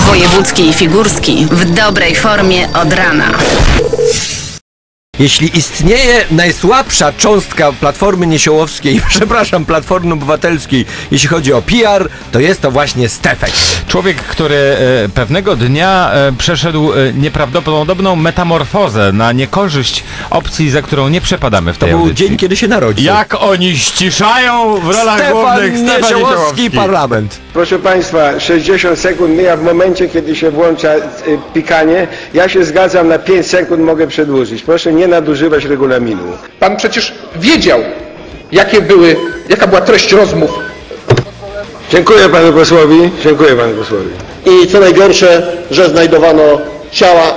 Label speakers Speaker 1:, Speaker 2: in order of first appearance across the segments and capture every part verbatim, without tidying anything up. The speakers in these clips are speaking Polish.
Speaker 1: Wojewódzki i Figurski w dobrej formie od rana.
Speaker 2: Jeśli istnieje najsłabsza cząstka Platformy Niesiołowskiej, przepraszam, Platformy Obywatelskiej, jeśli chodzi o P R, to jest to właśnie Stefek.
Speaker 3: Człowiek, który e, pewnego dnia e, przeszedł e, nieprawdopodobną metamorfozę na niekorzyść opcji, za którą nie przepadamy w tej
Speaker 2: To był
Speaker 3: audycji.
Speaker 2: dzień, kiedy się narodził.
Speaker 3: Jak oni ściszają w rolach
Speaker 2: Stefan
Speaker 3: głównych Stefan
Speaker 2: Niesiołowski,
Speaker 3: Niesiołowski.
Speaker 2: parlament.
Speaker 4: Proszę Państwa, sześćdziesiąt sekund mija w momencie, kiedy się włącza y, pikanie. Ja się zgadzam, na pięć sekund mogę przedłużyć. Proszę nie nadużywać regulaminu.
Speaker 5: Pan przecież wiedział, jakie były, jaka była treść rozmów.
Speaker 4: Dziękuję Panu posłowi. Dziękuję Panu posłowi.
Speaker 6: I co najgorsze, że znajdowano ciała.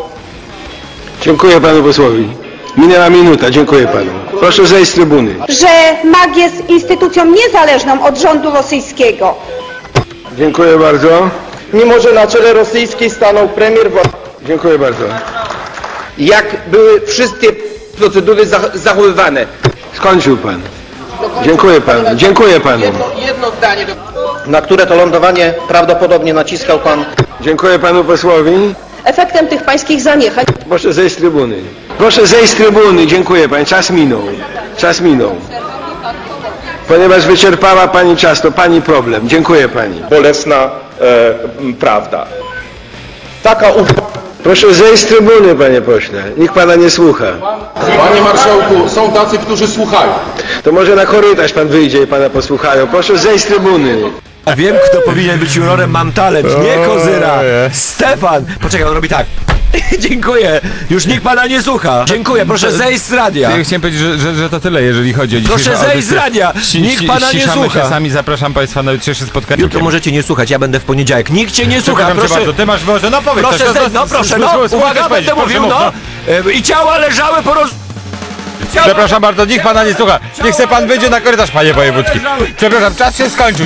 Speaker 4: Dziękuję Panu posłowi. Minęła minuta. Dziękuję Panu. Proszę zejść z trybuny.
Speaker 7: Że M A G jest instytucją niezależną od rządu rosyjskiego.
Speaker 4: Dziękuję bardzo.
Speaker 6: Mimo że na czele rosyjskiej stanął premier Władimir.
Speaker 4: Dziękuję bardzo.
Speaker 5: Jak były wszystkie procedury zachowywane.
Speaker 4: Skończył Pan. Dziękuję Panu. Dziękuję Panu.
Speaker 5: Jedno, jedno zdanie. Do...
Speaker 6: Na które to lądowanie prawdopodobnie naciskał pan.
Speaker 4: Dziękuję Panu posłowi.
Speaker 7: Efektem tych pańskich zaniechań
Speaker 4: Proszę zejść z trybuny. Proszę zejść z trybuny. Dziękuję Pani. Czas minął. Czas minął. Ponieważ wyczerpała Pani czas, to Pani problem. Dziękuję Pani.
Speaker 5: Bolesna e, prawda.
Speaker 6: Taka u...
Speaker 4: Proszę zejść z trybuny, Panie pośle. Nikt Pana nie słucha.
Speaker 5: Panie marszałku, są tacy, którzy słuchają.
Speaker 4: To może na korytarz Pan wyjdzie i Pana posłuchają. Proszę zejść z trybuny.
Speaker 2: A wiem, kto powinien być jurorem Mam Talent, nie Kozyra. Stefan! Poczekaj, on robi tak. Dziękuję. Już nikt Pana nie słucha. Dziękuję, proszę zejść z radia.
Speaker 3: Ja chciałem powiedzieć, że, że, że to tyle, jeżeli chodzi o dzisiejszą
Speaker 2: Proszę zejść z
Speaker 3: audycję.
Speaker 2: radia.
Speaker 3: Ści-
Speaker 2: Nikt
Speaker 3: ści-
Speaker 2: Pana nie
Speaker 3: ściszamy
Speaker 2: słucha.
Speaker 3: się sami, zapraszam Państwa na jutrzejsze spotkanie.
Speaker 2: Jutro możecie nie słuchać, ja będę w poniedziałek. Nikt Cię nie słucha,
Speaker 3: Przepraszam cię
Speaker 2: proszę.
Speaker 3: bardzo, ty masz może, no powiedz
Speaker 2: Proszę
Speaker 3: coś,
Speaker 2: zejść, no proszę, no. Uwaga, będę mówił, no. E, I ciała leżały po roz... Ciała...
Speaker 3: Przepraszam bardzo, nikt Pana nie słucha. Niech se Pan wyjdzie na korytarz, Panie Wojewódzki. Przepraszam, czas się skończył.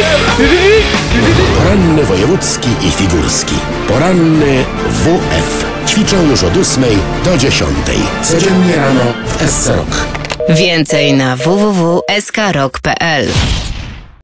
Speaker 8: Poranny wojewódzki i figurski. Poranny W F. Ćwiczą już od ósmej do dziesiątej. Codziennie rano w S C Rock.
Speaker 1: Więcej na w w w kropka s k rock kropka p l.